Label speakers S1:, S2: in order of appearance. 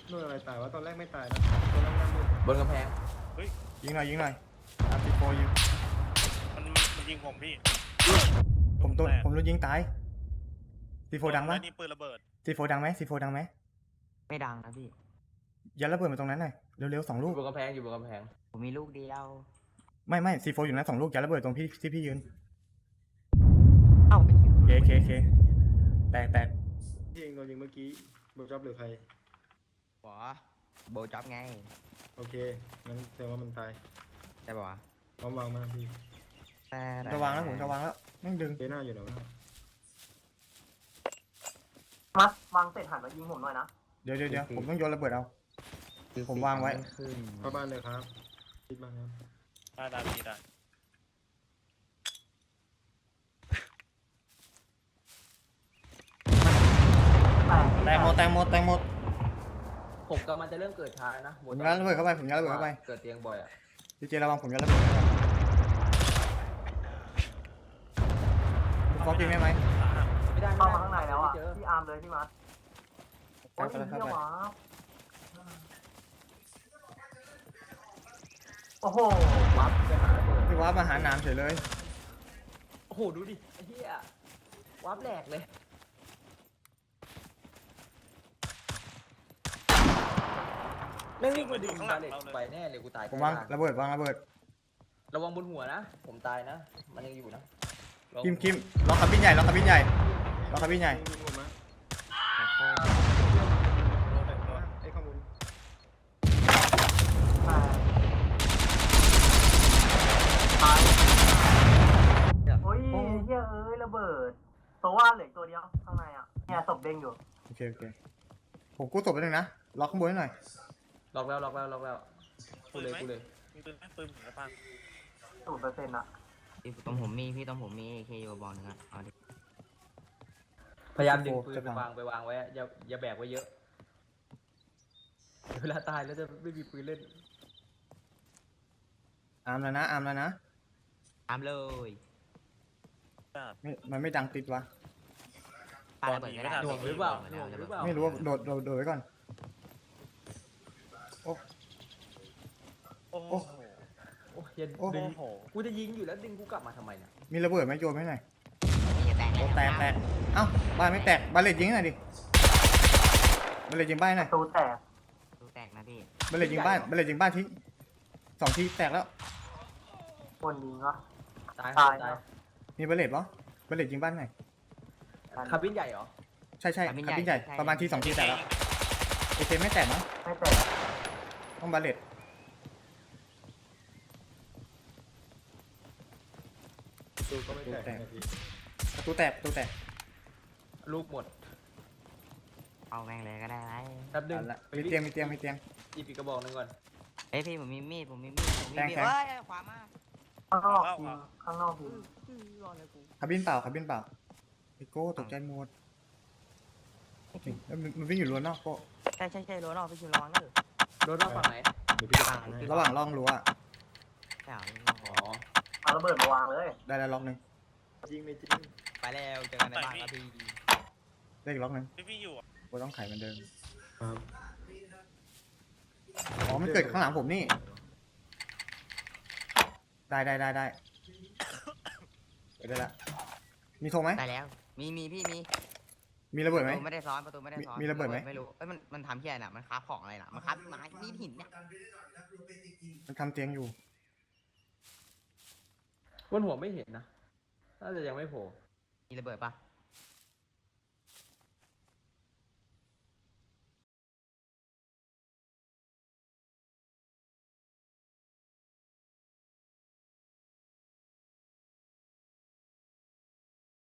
S1: นู่นอะไรตายวะตอนแรกไม่ตายนะตอนแรกนั่งมืด
S2: บนกำแพง
S3: ยิงหน่อยอาร์ติโฟยิง
S4: มันยิงผมพี่
S3: ผมโดนยิงตายซีโฟดังปะ
S4: นี่ปืนระเบิด
S3: ซีโฟดังไหมซีโฟดังไหม
S5: ไม่ดังนะพี่
S3: ยัดระเบิดมาตรงนั้นหน่อยเร็วๆ2 ลูก
S2: บนกำแพงอยู่บนกำแพง
S5: ผมมีลูกเดียว
S3: ไม่ซีโฟอยู่นั้น2 ลูกยัดระเบิดตรงพี่ที่พี่ยืน
S5: เอ้าไอ้เหี้ย
S3: เคแตก
S1: ที่เองโดนยิงเมื่อกี้เบลจ็อบหรือใคร
S5: หัวโบจ็อบไง
S1: โอเคงั้นแสดงว่ามันตาย
S5: ใช่ป่าวะ
S1: พร้อมวางมาพี่
S3: จะวางแล้วผมจะวางแล้วแม่งดึง
S1: เจน่าอยู่ไหนวะ
S6: มัดวางเสร็จหันมายิงผมหน่อยนะ
S3: เดี๋ยวผมต้องโยนระเบิดเอา ผมวางไว้
S5: ขึ้น
S1: เข้าบ้านเลยครับคิดบ้างครับ
S4: ได้พี่ได้
S3: แตกหมด
S2: ผมกำลังจะเริ่มเกิดช้านะ
S3: ผมยัดระเบิดเข้าไป
S2: เกิดเตียงบ่อยอ่ะ
S3: พี่เจระวังผมยัดระเบิดฟอกจริงได้ไหม
S2: ไม่ได้
S6: เข้ามาข้างในแล้วอ่ะ
S2: ไม่เจอ
S6: พี่อาร์มเลยพี่มัดโอ้ย
S3: เข้าไป
S6: เหี้ยวะโอ้โห
S2: วับไปหาระเบิด
S3: พี่ว้ามาหาหนามเฉยเลย
S2: โอ้โหดูดิไอ้เหี้ยวับแหลกเลยไม่วิ่งมาดึงบาเลตไปแน่เลยกูตาย
S3: ผมวางระเบิด
S2: ระวังบนหัวนะผมตายนะมันยังอยู่นะ
S3: คิมล็อกคาบินใหญ่ล็อกคาบินใหญ่
S1: ยิงผมนะไอ้ข้อมูล
S6: ตายโอ้ยเหี้ยระเบิดตัวว่าเหลือตัวเดียวข้างในอ่ะเนี่ยศพเด้งอยู่
S3: โอเคผมกู้ศพไปหนึ่งนะล็อกข้างบนให้หน่อย
S2: ล็อกแล้วกูเลย
S4: มีปืนไหมปืนผมจะปัง
S6: 0%อ่ะ
S5: พี่ตรงผมมีAK อยู่บอกหนึงอ่ะเอาดิ
S2: พยายามดึงปืนไปวางไว้อย่าแบกไว้เยอะเวลาตายแล้วจะไม่มีปืนเล่น
S3: อาร์มแล้วนะ
S5: ตามเลย
S3: มันไม่ดังติดวะ
S5: ปาระเบิดก็ได้
S2: หน่วงหรือเปล่า
S3: ไม่รู้ว่าโดดไว้ก่อน
S4: โอ้โห
S2: โอ้ยอย่า
S3: โอ้
S2: ดึง
S4: โอ้โห
S2: กูจะยิงอยู่แล้วดึงกูกลับมาทำไมเนี่ย
S3: มีระเบิดไหมโยนไหมหน่อย
S5: นี่จะแตก
S3: โอ้แตกเอ้าบ้านไม่แตกบาเลตยิงหน่อยดิบาเลตยิงบ้านหน่อย
S6: ตูแตก
S5: ดูแตกนะพี่
S3: บาเลตยิงบ้านทิ้ง2 ทีแตกแล้ว
S6: คนยิงวะ
S2: ตาย
S6: ตาย
S2: ตาย
S3: มีบาเลตปะบาเลตยิงบ้านหน่อย
S2: คาบินใหญ่เหรอ
S3: ใช่คาบินใหญ่ประมาณที2 ทีแตกแล้วเอเคไม่แตกนะ
S6: ไม่แตก
S3: ต้องบาเลต
S1: ตูก็ไม่แตกนะพี่
S3: ประตูแตก
S2: ลูกหมด
S5: เอาแม่งเลยก็ได้ไร
S2: แป๊บนึง
S3: เอาละมีเตียง
S2: หยิบอีกกระบอกหนึงก่อน
S5: เอ้ยพี่ผมมีมีด
S3: แทง
S5: เฮ้ยขวามา
S6: ข้างนอกยิงข้างนอกยิง
S5: รอเลยกู
S3: คาบินเปล่าไอโก้ตกใจหมดจริงมันวิ่งอยู่รั้วนอกโก้
S5: ใช่รั้วนอกพี่ชิมระวังเด้อ
S2: โดนรอบฝั่งไหน
S1: เดี๋ยวพี่จะฟังให้
S3: ระหว่างร่องรั้ว
S5: ใช่เหรอ
S2: อ๋อ
S6: เอาระเบิดมาวางเลย
S3: ได้แล้วล็อกหนึ่ง
S1: จริงไม่จริง
S5: ไปแล้วเจอกันในบ้านครับพี่
S3: ได้อีกล็อกหนึ่ง
S4: พี่อยู่
S3: โก้ต้องไขเหมือนเดิม
S1: ครับ
S3: อ๋อมันเกิดข้างหลังผมนี่ได้เดี๋ยวได้ละมีโทรไหม
S5: ได้แล้วมีพี่มี
S3: มีระเบิดไหม
S5: ประตูไม่ได้ซ้อน
S3: มีระเบิดไหม
S5: ไม่รู้มันทำที่ไหนน่ะมันคราฟของอะไรน่ะมันคราฟไม้มีดหินเนี่ย
S3: มันทำเตียงอยู่
S2: บนหัวไม่เห็นนะน่าจะยังไม่โผล่
S5: มีระเบิดปะ